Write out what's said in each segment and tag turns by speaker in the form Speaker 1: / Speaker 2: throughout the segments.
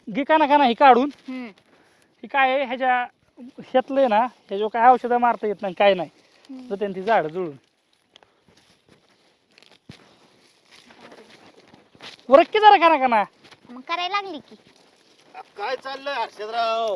Speaker 1: घे का ना हे काढून.
Speaker 2: हम्म.
Speaker 1: ही काय आहे ह्याच्या ह्यातलं ना ह्याच्यावर काय औषधं मारता येत नाही काय नाही तर त्यांनी ती झाडं जुळून वरक्की जरा का ना
Speaker 2: मग करायला लागली की.
Speaker 3: काय चाललंय हर्षदराव?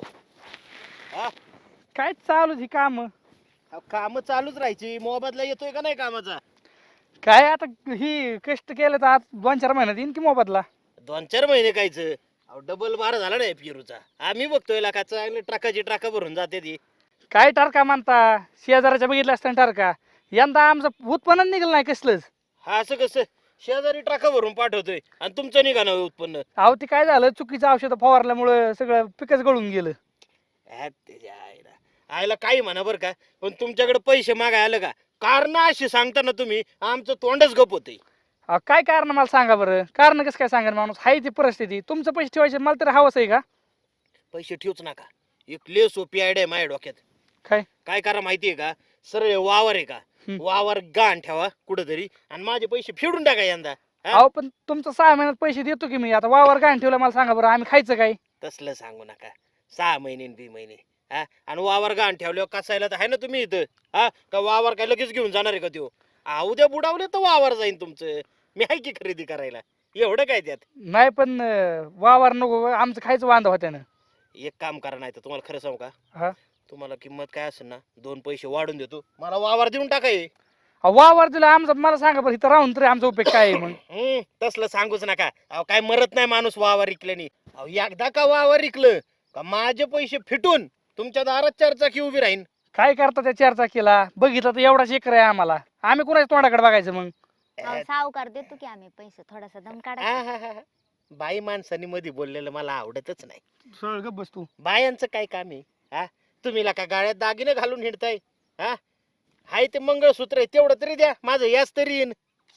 Speaker 1: काय चालू ही काम
Speaker 3: काम चालूच राहायची. मोबदला येतोय का नाही कामाचा?
Speaker 1: काय आता ही कष्ट केलं तर आज 2-4 महिन्यात येईन की मोबदला.
Speaker 3: 2-4 महिने कायचं? डबल बार झाला नाही पेरूचा. आम्ही बघतोय लाखाचं चांगलं ट्रकाची ट्रका भरून जाते ती.
Speaker 1: काय टारका म्हणता शेजाराच्या बघितलं असताना टारका यंदा आमचं उत्पन्न निघलं नाही कसलंच.
Speaker 3: हा असं कसं? शेजारी ट्रका भरून पाठवतोय आणि तुमचं निघा ना उत्पन्न.
Speaker 1: अहो ते काय झालं चुकीचं औषध फवारल्यामुळं सगळं पिकच गळून गेलं.
Speaker 3: त्याच्या आईला काही म्हणा बरं का, पण तुमच्याकडे पैसे मागाय आलं का? कारण अशी सांगता ना तुम्ही, आमचं तोंडच गप होतंय.
Speaker 1: अहो काय कारण मला सांगा बरं. कारण कसं काय सांगा माणूस हाय ती परिस्थिती. तुमचं पैसे ठेवायचे मला तरी हवंच आहे का?
Speaker 3: पैसे ठेवूच नका. एक लय सोपी आयडिया आहे माझ्या डोक्यात.
Speaker 1: काय
Speaker 3: काय करा माहितीये का? सरळ वावर आहे का, वावर गाण ठेवा कुठंतरी आणि माझे पैसे फेडून टाका यंदा.
Speaker 1: अहो पण तुमचं 6 महिन्यात पैसे देतो की मी. आता वावर गाण ठेवलं मला सांगा बरं आम्ही खायचं काय?
Speaker 3: तसलं सांगू नका. 6 महिने न 2 महिने हा, आणि वावर गाण ठेवल्यावर कसायला तर आहे ना तुम्ही इथं. हा का वावर काय लगेच घेऊन जाणार आहे का त्यो? उद्या बुडावले तर वावर जाईन तुमचं. मी आहे की खरेदी करायला. एवढं काय त्यात?
Speaker 1: नाही पण वावर नको आमचं खायचं वांदा होत्या ना.
Speaker 3: एक काम करा, नाही तर तुम्हाला खरं सांगू का,
Speaker 1: हा
Speaker 3: तुम्हाला किंमत काय असेल ना 2 पैसे वाढून देतो, मला वावर देऊन टाकाय.
Speaker 1: वावर दिलं आमचं मला सांगा बरं इथं राहून तरी आमचा उपयोग काय आहे मग?
Speaker 3: तसलं सांगूच नका. काय मरत नाही माणूस वावर इकल्याने. एकदा का वावर इकलं का माझे पैसे फिटून तुमच्या दारात 4 चाकी उभी राहीन.
Speaker 1: काय करता त्या 4 चाकीला? बघितलं तर एवढाच एकर आहे आम्हाला. आम्ही कुणाच्या तोंडाकडे बघायचं मग?
Speaker 2: सावकार देतो की आम्ही पैसे थोडासा दम काढा.
Speaker 3: बाई माणसानी मध्ये बोललेलं मला आवडतच नाही.
Speaker 1: सरळ गप बस तू.
Speaker 3: बायांचं काय काम आहे? हा, तुम्ही का गाड्यात दागिने घालून हिंडताय? हा, हाय ते मंगळसूत्र आहे तेवढं तरी द्या, माझं याच तरी येईन.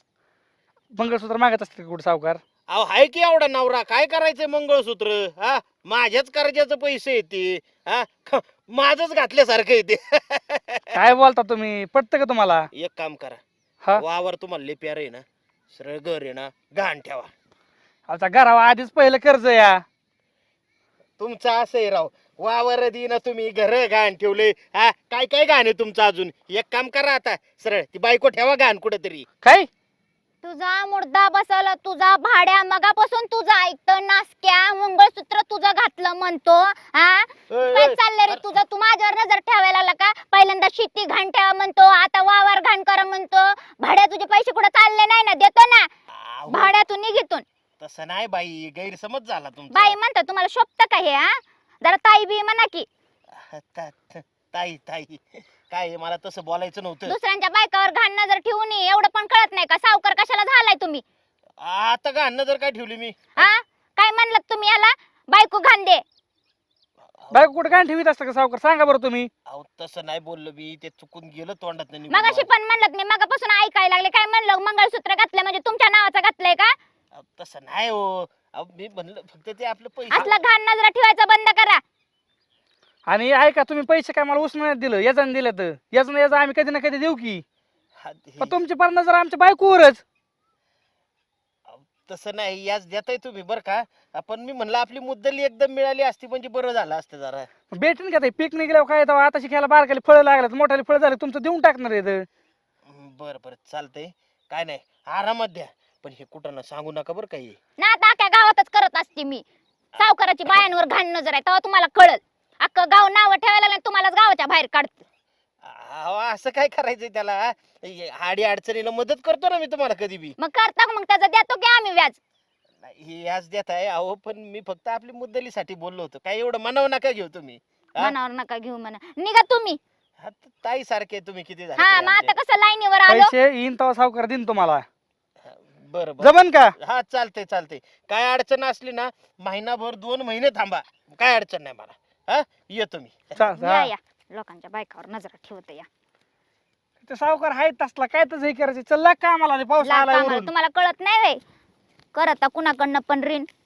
Speaker 1: मंगळसूत्र मागत असते कुठे सावकार?
Speaker 3: हाय की एवढा नवरा, काय करायचंय मंगळसूत्र? हा, माझ्याच कर्जाचं पैसे येते. हा, माझच घातल्यासारखं येते.
Speaker 1: काय बोलता तुम्ही? पटतं का तुम्हाला?
Speaker 3: एक काम करा,
Speaker 1: हा
Speaker 3: वावर तुम्हाला लय प्यार आहे ना, सरळ घर आहे ना घाण ठेवा.
Speaker 1: आता घरावर आधीच पहिलं कर्ज या.
Speaker 3: तुमचं असं आहे राव, वावर ना तुम्ही, घर घाण ठेवले. हा, काय काय घाण आहे तुमचं अजून? एक काम करा आता, सरळ ती बायको ठेवा घाण कुठेतरी.
Speaker 1: काय
Speaker 2: तुझा मुर्दा बसवला, तुझा भाड्या मगापासून तुझा ऐकतो नासक्या. मंगळसूत्र तुझं घातलं म्हणतो. हा काय चाललंय रे तुझं? तू माझ्यावर नजर ठेवायला लागला का? पहिल्यांदा शेती घाण ठेवा म्हणतो, आता वावर घाण करा म्हणतो. भाड्या तुझे पैसे कुठे चालले नाही ना? देतो ना भाड्यातून निघितून.
Speaker 3: तसं नाही बाई, गैरसमज झाला तुमचा.
Speaker 2: बाई म्हणता तुम्हाला शोभत का हे? हा जरा ताई बी म्हणा की.
Speaker 3: ताई ताई काय आहे, मला तसं बोलायचं नव्हतं.
Speaker 2: दुसऱ्यांच्या बायकावर घाण नजर ठेवून एवढं पण कळत नाही का? सावकार कशाला झालाय तुम्ही?
Speaker 3: आता घाण नजर काय ठेवली मी?
Speaker 2: हा काय म्हणलात तुम्ही याला? बायको घाण दे.
Speaker 1: बायको कुठे काय ठेवीत असतं का सावकार? सांगा बरं तुम्ही.
Speaker 3: अहो तसं नाही बोललो मी, ते चुकून गेलं तोंडात.
Speaker 2: मगाशी पण म्हणलं मी, मगापासून ऐकायला लागले. काय म्हणलं? मंगळसूत्र घातलं म्हणजे तुमच्या नावाचं घातलंय का?
Speaker 3: तसं नाही हो. मी म्हणलं फक्त ते आपलं पैसे.
Speaker 2: असलं घाण नजर ठेवायचं बंद करा.
Speaker 1: आणि ऐका तुम्ही पैसे काय मला उसने दिलं याचं दिलं तर याचं आम्ही कधी ना कधी देऊ की. पण तुमची पर नजर आमच्या बायकोवरच.
Speaker 3: तसं नाही, याच देताय तुम्ही बरं का. आपण मी म्हणलं आपली मुद्दली एकदम मिळाली असती म्हणजे बरं झालं असतं जरा.
Speaker 1: भेटेन का ते? पीक निघल्यावर काय तेव्हा आता शिकायला बारकाली फळं लागल्यात, मोठ्याली फळं झाले तुमचं देऊन टाकणार आहे.
Speaker 3: बरं बरं चालतंय, काय नाही, आरामात द्या. पण हे कुठं ना सांगू नका बरं काही.
Speaker 2: ना आता अख्ख्या गावातच करत असते मी. सावकाराची बायांवर घाण नजर आहे तेव्हा तुम्हाला कळल. अख्खं गाव नाव ठेवायला लागलं, तुम्हालाच गावाच्या बाहेर काढत.
Speaker 3: असं काय करायचंय त्याला? आडी अडचणीला मदत करतो ना मी तुम्हाला कधी बी.
Speaker 2: मग करता मग त्याचं देतो की आम्ही व्याज.
Speaker 3: हे व्याज देत आहे अहो, पण मी फक्त आपली मुद्दलीसाठी बोललो होतो. काय एवढं मनावर नका घेऊ तुम्ही.
Speaker 2: मनावर नका घेऊ म्हणा. निघा तुम्ही.
Speaker 3: ताई सारखे तुम्ही किती झाले
Speaker 2: हा
Speaker 3: तरी
Speaker 2: मग आता
Speaker 3: आमच्या.
Speaker 2: कसं लाईनीवर आलो.
Speaker 1: पैसे येईन तेव्हा सावकार देईन तुम्हाला.
Speaker 3: बरं बरं
Speaker 1: जमन का?
Speaker 3: हा चालतंय चालतंय. काय अडचण असली ना, महिनाभर 2 महिने थांबा, काय अडचण नाही मला. हा येतो मी.
Speaker 2: या या लोकांच्या बायकावर नजर ठेवत या.
Speaker 1: ते सावकार आहेत तसला काय तर हे करायचं. चल लाग का आम्हाला पाऊस
Speaker 2: लाग
Speaker 1: आला
Speaker 2: कामाला तुम्हाला कळत नाही व्हय? करता कुणाकडनं पण ऋण.